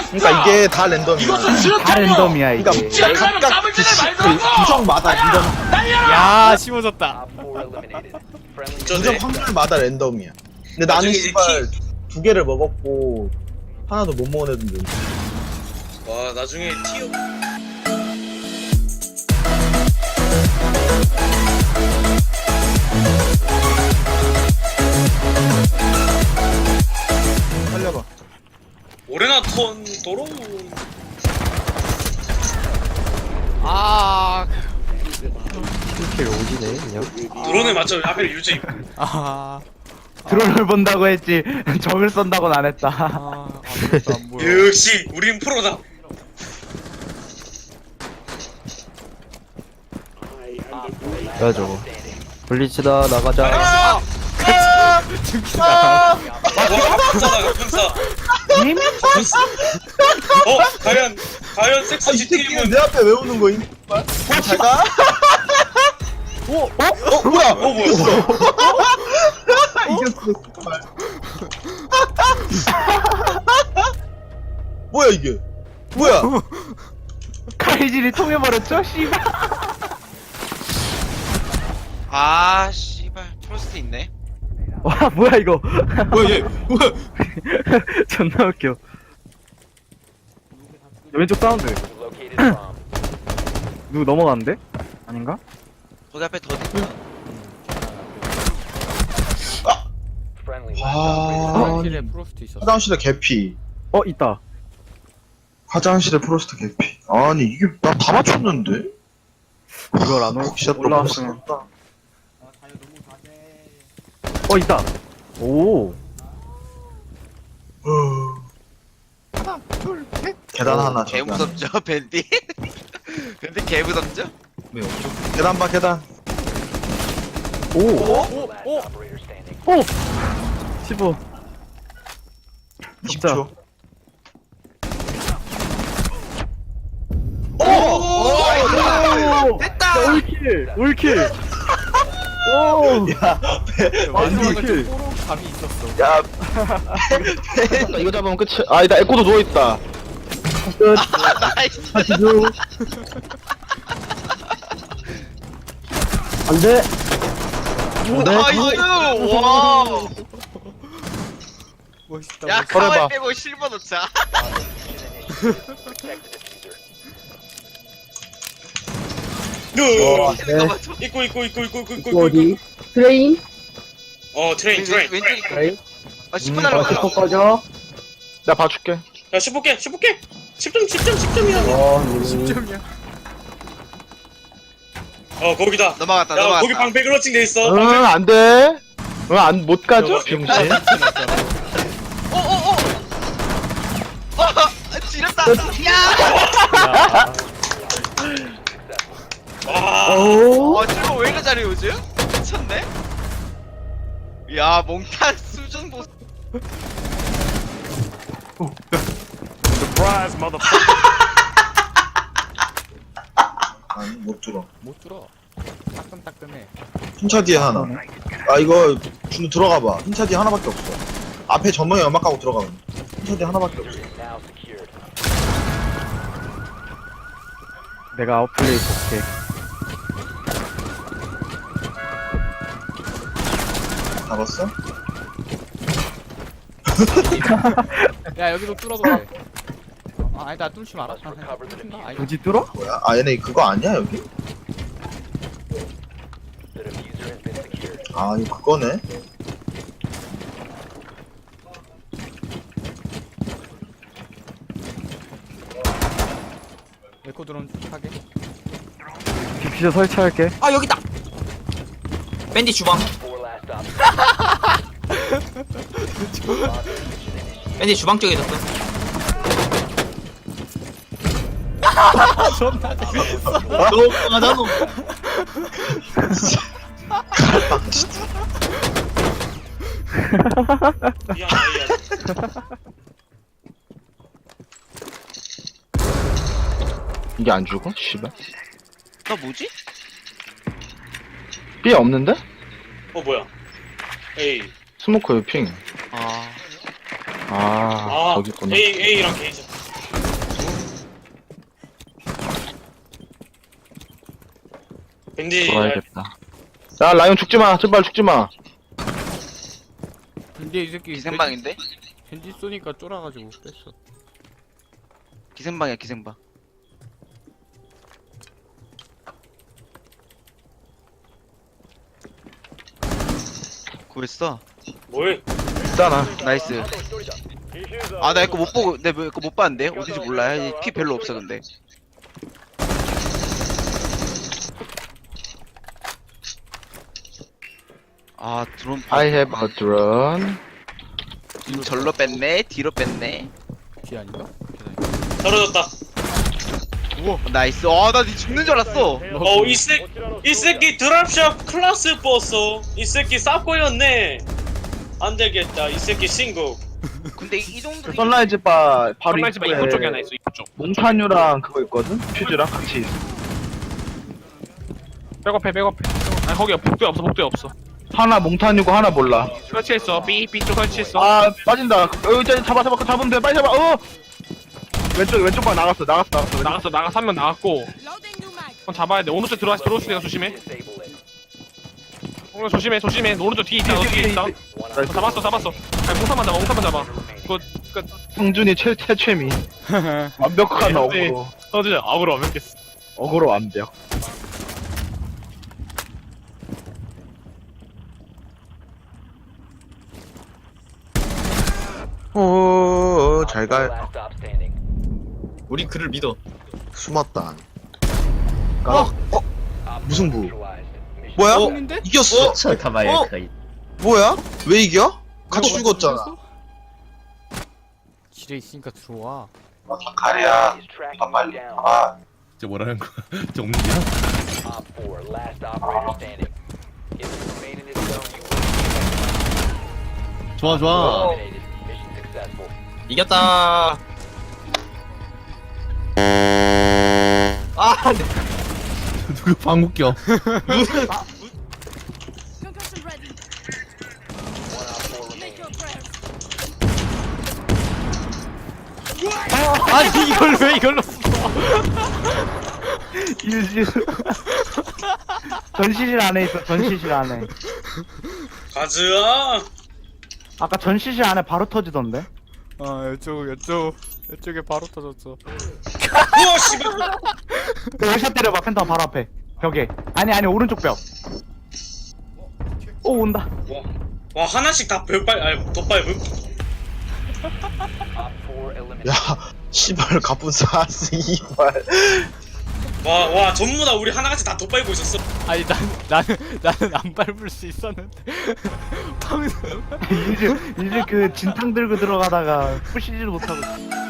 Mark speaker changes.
Speaker 1: 그러니까 이게 다 랜덤이야.
Speaker 2: 다 랜덤이야 이게.
Speaker 1: 그러니까 각각 그 구성마다 랜덤,
Speaker 3: 야 심어졌다.
Speaker 1: 구성 확률마다 랜덤이야. 근데 나는 씨발 2개를 먹었고 하나도 못 먹은 애들도 있어.
Speaker 4: 와 나중에 티어
Speaker 1: 살려봐.
Speaker 4: 오레나톤 도로
Speaker 3: 아.
Speaker 5: 이렇게 오지네 그냥.
Speaker 4: 드론에 맞춰 하필 유지.
Speaker 3: 아.
Speaker 2: 드론을 본다고 했지 적을 쏜다고는 안 했다.
Speaker 3: 아무것도 안 보여.
Speaker 4: 역시 우린 프로다.
Speaker 5: 야 저거. 블리츠다 나가자.
Speaker 4: 와 평사다 평사.
Speaker 2: 이미
Speaker 4: 과연 섹스
Speaker 1: 이 새끼는
Speaker 4: GTM은
Speaker 1: 내 앞에 왜 오는 거임? 잠깐. 뭐야?
Speaker 4: 뭐야?
Speaker 1: 이겼어. 씨발. 뭐야 이게? 뭐야?
Speaker 2: 칼질이 통해버렸죠? 씨발.
Speaker 6: 아 씨발 프로스트 있네.
Speaker 2: 와 뭐야 이거.
Speaker 3: 뭐야 얘? 뭐야?
Speaker 2: 존나 웃겨. 왼쪽 사운드. 누구 넘어갔는데? 아닌가?
Speaker 6: 거기 앞에 더 있다.
Speaker 3: 화장실에 프로스트 있었어.
Speaker 1: 화장실에 개피.
Speaker 2: 있다.
Speaker 1: 화장실에 프로스트 개피. 아니 이게 나 다 맞췄는데?
Speaker 2: 이걸 안
Speaker 1: 진짜 또
Speaker 2: 올라왔으면.
Speaker 1: 맞췄다.
Speaker 2: 있다. 오.
Speaker 1: 계단 하나
Speaker 6: 개
Speaker 1: 저기
Speaker 6: 무섭죠 밴디? 밴디 개 무섭죠?
Speaker 1: 안에. 계단 봐 계단.
Speaker 2: 오. 15.
Speaker 1: 20초.
Speaker 6: 됐다!
Speaker 2: 올킬. 올킬. 오.
Speaker 1: 야,
Speaker 3: 완전
Speaker 2: 이렇게.
Speaker 3: 뽀록 감이 있었어.
Speaker 1: 야, 이거 잡으면 끝이. 아니다, 에코도 누워 있다.
Speaker 6: 나이스!
Speaker 1: 안돼.
Speaker 6: 나이스! 와!
Speaker 3: 멋있다.
Speaker 6: 야
Speaker 3: 멋있다.
Speaker 6: 카와이 빼고 실버 넣자. 잠깐만 저
Speaker 4: 있고
Speaker 7: 어디? 트레인?
Speaker 4: 트레인
Speaker 6: 왼쪽 있고.
Speaker 7: 트레인?
Speaker 6: 아 10분 날라가.
Speaker 7: 슈퍼 꺼져.
Speaker 1: 내가 봐줄게.
Speaker 4: 야 15개 10점이야.
Speaker 3: 10점이야.
Speaker 4: 거기다.
Speaker 6: 넘어갔다
Speaker 4: 야
Speaker 6: 넘어갔다.
Speaker 4: 거기 방패 그러칭 돼 있어.
Speaker 1: 응, 안 돼. 응, 못 가죠? 병신.
Speaker 6: 오오오! 지렸다! 야!
Speaker 4: 와.
Speaker 6: 실버 왜 이렇게 잘해 요즘? 미쳤네? 야 몽탄 수준 보스.
Speaker 1: 아니, 못 들어.
Speaker 3: 못 들어. 따끔따끔해.
Speaker 1: 흰차 뒤에 하나. 아, 이거, 준우 들어가 봐. 흰차 뒤에 하나밖에 없어. 앞에 전문에 연막하고 들어가면. 흰차 뒤에 하나밖에 없어.
Speaker 2: 내가 아웃플레이 볼게.
Speaker 1: 잡았어?
Speaker 3: 야 여기도 뚫어도 돼. 아니다 뚫지 마라. 뚫긴다. 아니
Speaker 2: 굳이 뚫어?
Speaker 1: 뭐야? 아, 얘네 그거 아니야, 여기? 아, 이거 그거네?
Speaker 3: 에코 드론 하게.
Speaker 2: 디퓨저 설치할게.
Speaker 8: 아 여기다. 밴디 주방. 밴디 주방 쪽에 있었어.
Speaker 3: 존나 재밌어.
Speaker 1: 너, 맞아, 너.
Speaker 4: 미안.
Speaker 1: 이게 안 죽어? 씨발.
Speaker 6: 너 뭐지?
Speaker 1: B 없는데?
Speaker 4: 뭐야? 에이.
Speaker 1: 스모커 핑.
Speaker 6: 아
Speaker 1: 아, 저기 있구나.
Speaker 4: A랑 게이지. 밴디
Speaker 5: 좋아야겠다.
Speaker 2: 야 라이온 죽지마 제발 죽지마.
Speaker 3: 근데 이 새끼
Speaker 6: 기생방인데?
Speaker 3: 밴디 쏘니까 쫄아가지고 뺐어.
Speaker 6: 기생방이야 기생방. 구했어.
Speaker 4: 뭐해?
Speaker 2: 있잖아.
Speaker 6: 나이스. 아 나 이거 못 보고 내 이거 못 봤는데 어딘지 몰라. 피 별로 없어 근데. 아 드론
Speaker 2: I have a drone.
Speaker 6: 절로 뺐네 뒤로 뺐네.
Speaker 3: 뒤 아닌가?
Speaker 4: 떨어졌다.
Speaker 6: 우와 나이스. 아나 죽는 줄 알았어.
Speaker 4: 이 새끼 드랍샵 클래스 버스. 이 새끼 쌉고였네. 안 되겠다. 이 새끼 신고.
Speaker 6: 근데 이 정도
Speaker 2: 선라이즈 바 바로
Speaker 9: 선라이즈 바 입구 쪽에 하나 있어 입구 쪽.
Speaker 2: 몽타뉴랑 그거 있거든? 퓨즈랑 같이 있어.
Speaker 9: 백업해. 아니 거기 복도에 없어.
Speaker 2: 하나 몽타뉴고 하나 몰라.
Speaker 9: 설치했어. B쪽 설치했어.
Speaker 2: 아 빠진다. 이제 잡으면 돼. 빨리 잡아. 왼쪽 방 나갔어.
Speaker 9: 나가서 한 명 나갔고. 그럼 잡아야 돼. 오른쪽 들어올 수 있어. 조심해. 조심해. 오른쪽 뒤에 있다. 너 뒤에 있다. 잡았어. 아니 몽타만 잡아. 그거 끝.
Speaker 2: 성준이 최최미. 완벽한 어그로.
Speaker 9: 서준이 악으로 완벽했어.
Speaker 2: 어그로 완벽. 잘 가.
Speaker 8: 우리 그를 믿어.
Speaker 1: 숨었다. 무승부. 뭐야?
Speaker 3: 형인데?
Speaker 1: 이겼어. 뭐야? 왜 이겨? 같이 죽었잖아.
Speaker 3: 지뢰 있으니까 들어와.
Speaker 1: 가리야. 빨리.
Speaker 10: 저 뭐라는 거야? 저 옴니야? 좋아.
Speaker 8: 이겼다. 아,
Speaker 10: 누구 방귀 껴?
Speaker 3: 아니 이걸 왜 이걸로 써?
Speaker 2: 전시실 안에 있어. 전시실 안에.
Speaker 4: 가즈아.
Speaker 2: 아까 전시실 안에 바로 터지던데.
Speaker 3: 아 이쪽에 바로 터졌어.
Speaker 4: 우와 씨발.
Speaker 2: 월샷 때려봐. 펜타 바로 앞에 벽에. 아니 오른쪽 벽. 오 온다.
Speaker 4: 와 하나씩 다 별빨 아니 덧밟음.
Speaker 1: 야, 씨발 가쁜 사스 이발.
Speaker 4: 와 전부 다 우리 하나같이 다 덧밟고 있었어.
Speaker 3: 아니 나는 안 밟을 수 있었는데. 방금
Speaker 2: 이제 그 진탕 들고 들어가다가 부시지도 못하고.